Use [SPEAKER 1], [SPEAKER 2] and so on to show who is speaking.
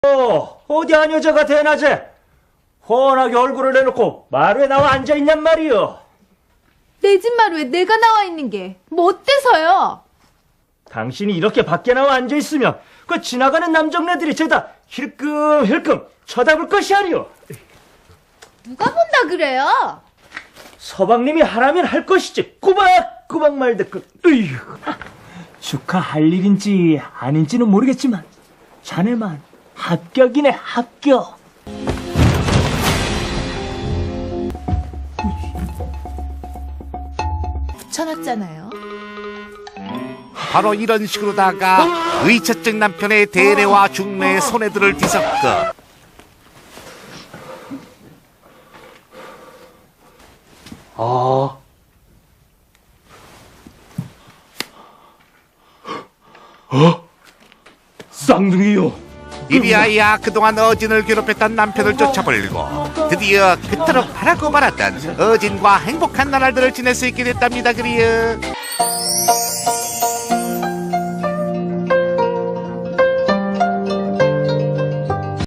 [SPEAKER 1] 어디 한 여자가 대낮에 훤하게 얼굴을 내놓고 마루에 나와 앉아있냔 말이여.
[SPEAKER 2] 내 집 마루에 내가 나와 있는 게 뭐 어때서요?
[SPEAKER 1] 당신이 이렇게 밖에 나와 앉아있으면 그 지나가는 남정네들이 죄다 힐끔힐끔 쳐다볼 것이 아니오.
[SPEAKER 2] 누가 본다 그래요?
[SPEAKER 1] 서방님이 하라면 할 것이지. 꾸박꾸박 말대꾸. 축하할 일인지 아닌지는 모르겠지만 자네만 합격이네, 합격.
[SPEAKER 2] 붙여놨잖아요.
[SPEAKER 3] 바로 이런 식으로다가 의처증 남편의 대례와 중매의 손해들을 뒤섞어
[SPEAKER 1] 쌍둥이요.
[SPEAKER 3] 이리하여 그동안 어진을 괴롭혔던 남편을 쫓아버리고 드디어 그토록 바라고 말았던 어진과 행복한 나날들을 지낼 수 있게 됐답니다. 그리요.